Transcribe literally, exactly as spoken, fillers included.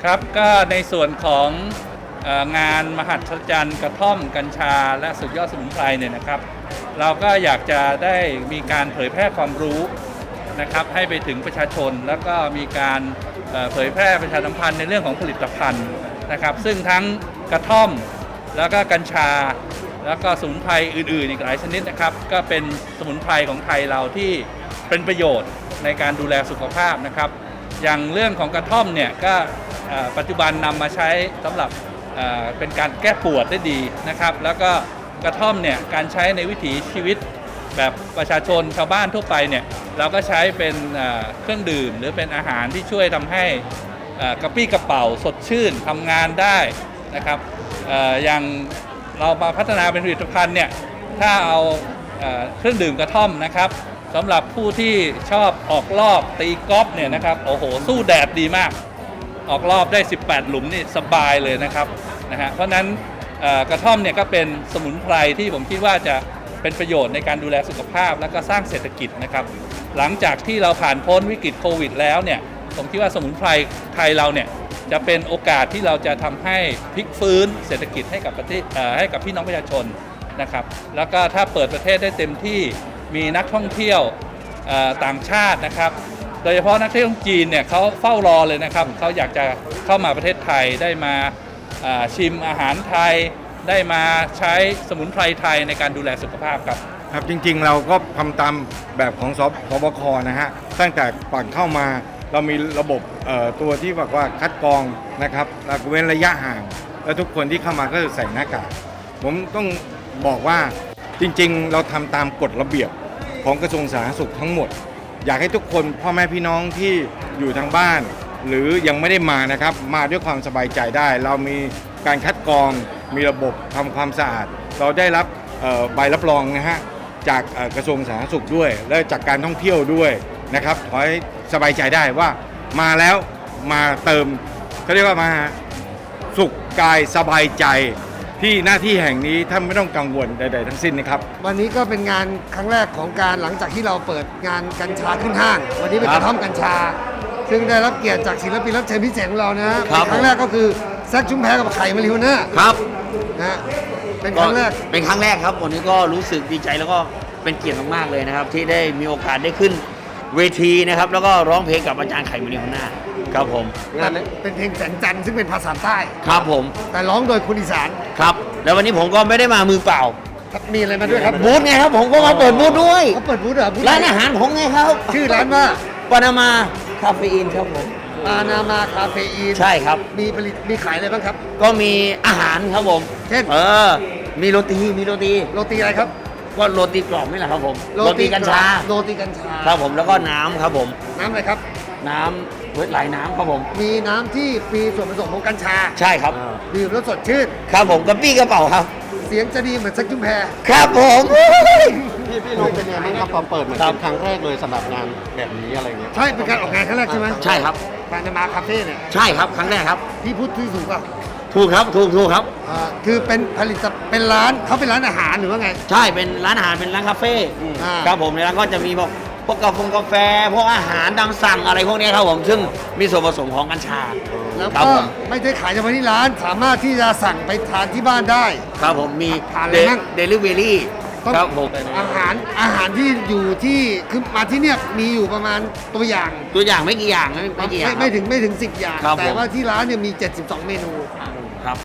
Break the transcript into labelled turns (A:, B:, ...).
A: ครับก็ในส่วนของเอ่องานมหัศจรรย์กระท่อมกัญชาและสุดยอดสมุนไพรเนี่ยนะครับเราก็อยากจะได้มีการเผยแพร่ความรู้นะครับให้ไปถึงประชาชนแล้วก็มีการเอ่อเผยแพร่ประชาสัมพันธ์ในเรื่องของผลิตภัณฑ์นะครับซึ่งทั้งกระท่อมแล้วก็กัญชาแล้วก็สมุนไพรอื่นๆอีกหลายชนิดนะครับก็เป็นสมุนไพรของไทยเราที่เป็นประโยชน์ในการดูแลสุขภาพนะครับอย่างเรื่องของกระท่อมเนี่ยก็เอ่อปัจจุบันนำมาใช้สำหรับเอ่อเป็นการแก้ปวดได้ดีนะครับแล้วก็กระท่อมเนี่ยการใช้ในวิถีชีวิตแบบประชาชนชาวบ้านทั่วไปเนี่ยเราก็ใช้เป็นเอ่อเครื่องดื่มหรือเป็นอาหารที่ช่วยทำให้เอ่อกระปรี้กระเป๋าสดชื่นทำงานได้นะครับเอ่ออย่างเรามาพัฒนาเป็นผลิตภัณฑ์เนี่ยถ้าเอาเอ่อเครื่องดื่มกระท่อมนะครับสำหรับผู้ที่ชอบออกรอบตีกอล์ฟเนี่ยนะครับโอ้โหสู้แดดดีมากออกรอบได้สิบแปดหลุมนี่สบายเลยนะครับนะฮะเพราะนั้นเอ่อกระท่อมเนี่ยก็เป็นสมุนไพรที่ผมคิดว่าจะเป็นประโยชน์ในการดูแลสุขภาพและก็สร้างเศรษฐกิจนะครับหลังจากที่เราผ่านพ้นวิกฤตโควิดแล้วเนี่ยผมคิดว่าสมุนไพรไทยเราเนี่ยจะเป็นโอกาสที่เราจะทำให้พลิกฟื้นเศรษฐกิจให้กับประเทศเอ่อให้กับพี่น้องประชาชนนะครับแล้วก็ถ้าเปิดประเทศได้เต็มที่มีนักท่องเที่ยวเอ่อต่างชาตินะครับโดยเฉพาะนักท่องเที่ยวจีนเนี่ยเขาเฝ้ารอเลยนะครับเขาอยากจะเข้ามาประเทศไทยได้มาอ่าชิมอาหารไทยได้มาใช้สมุนไพรไทยในการดูแลสุขภาพครับ
B: ครับจริงๆเราก็ทำตามแบบของสสบคนะฮะตั้งแต่ก่อนเข้ามาเรามีระบบเอ่อตัวที่บอกว่าคัดกรองนะครับแล้วก็เว้นระยะห่างแล้วทุกคนที่เข้ามาก็จะใส่หน้ากากผมต้องบอกว่าจริงๆเราทำตามกฎระเบียบของกระทรวงสาธารณสุขทั้งหมดอยากให้ทุกคนพ่อแม่พี่น้องที่อยู่ทางบ้านหรือยังไม่ได้มานะครับมาด้วยความสบายใจได้ เรามีการคัดกรองมีระบบทำความสะอาดเราได้รับเอ่อใบรับรองนะฮะจากเอ่อกระทรวงสาธารณสุขด้วยและจากการท่องเที่ยวด้วยนะครับขอให้สบายใจได้ว่ามาแล้วมาเติมเขาเรียกว่ามาสุขกายสบายใจที่หน้าที่แห่งนี้ท่านไม่ต้องกังวลใดๆทั้งสิ้นนะครับ
C: วันนี้ก็เป็นงานครั้งแรกของการหลังจากที่เราเปิดงานกัญชาขึ้นห้าง วันนี้เป็นกระท่อมกัญชา ซึ่งได้รับเกียรติจากศิลปินรับเชิญพิเศษของเรานะครั้งแรกก็คือแซคชุมแพกับไข่มาริโฮน่า
D: ครับ
C: นะเป็นครั้งแรก
D: เป็นครั้งแรกครับวันนี้ก็รู้สึกดีใจแล้วก็เป็นเกียรติมากๆเลยนะครับที่ได้มีโอกาสได้ขึ้นเวทีนะครับแล้วก็ร้องเพลงกับอาจารย์ไข่มาริโฮน่าครับผม
C: งานเป็นเพลงแสงจันทร์ซึ่งเป็นภาษาใต้
D: ครับผม
C: แต่ร้องโดยคนอีสาน
D: ครับแล้ววันนี้ผมก็ไม่ได้มามือเปล่า
C: มีอะไรมาด้วยครับ
D: บูธไงครับผมก็มาเปิดบูธด้วย
C: เขาเปิดบูธเหรอ
D: ร้านอาหารผมไงครับ
C: ชื่อร้านว่า
D: ปานามาคาเฟอีนครับผม
C: ปานามาคาเฟอีน
D: ใช่ครับ
C: มีผลิตมีขายอะไรบ้างครับ
D: ก็มีอาหารครับผม
C: เช่น
D: เออมีโรตีมีโรตี
C: โรตีอะไรครับ
D: ก็โรตีกรอบนี่แหละครับผมโรตีกัญชา
C: โรตีกัญชา
D: ครับผมแล้วก็น้ำครับผม
C: น้ำอะไรครับ
D: น้ำเวทหลายน้ำครับผม
C: มีน้ำที่มีส่วนผสมของกัญชา
D: ใช่ครับ
C: ดื่มแล้วสดชื่น
D: ครับผมกระปี้กระเป๋าครับ
C: เสียงจะดีเหมือนแซคชุมแพ
D: ครับผม
E: พี่พี่นงเป็นไงบ้างครับตอนเปิดเหมือนเป็นครั้งแรกเลยสำหรับงานแบบนี้อะไรเงี้ย
C: ใช่เป็นการออกงานครั้งแรกใช่ไหม
D: ใช่ครับ
C: ปานามาคาเฟ่เนี่ย
D: ใช่ครับครั้งแรกครับ
C: พี่พูดที่ถูกป่ะ
D: ถูกครับถูกถูกครับ
C: อ่าคือเป็นผลิตเป็นร้านเขาเป็นร้านอาหารหรือว่าไง
D: ใช่เป็นร้านอาหารเป็นร้านคาเฟ่ครับผมในร้านก็จะมีพวกพวกกาแฟกาแฟพวกอาหารตามสั่งอะไรพวกนี้ครับผมซึ่งมีส่วนผสมของกัญชา
C: แล้วก็ไม่ได้ขายเฉพาะที่ร้านสามารถที่จะสั่งไปทานที่บ้านได้
D: ครับผมมีเดลิเวอรี่ครับผม
C: อาหารอาหารที่อยู่ที่คือมาที่เนี่ยมีอยู่ประมาณตัวอย่าง
D: ตัวอย่างไม่กี่อย่างไม่กี่อย่าง
C: ไม่ถึงไม่ถึงสิบอย่างแต่ว่าที่ร้านเนี่ยมีเจ็ดสิบสองเมนู
D: ครับ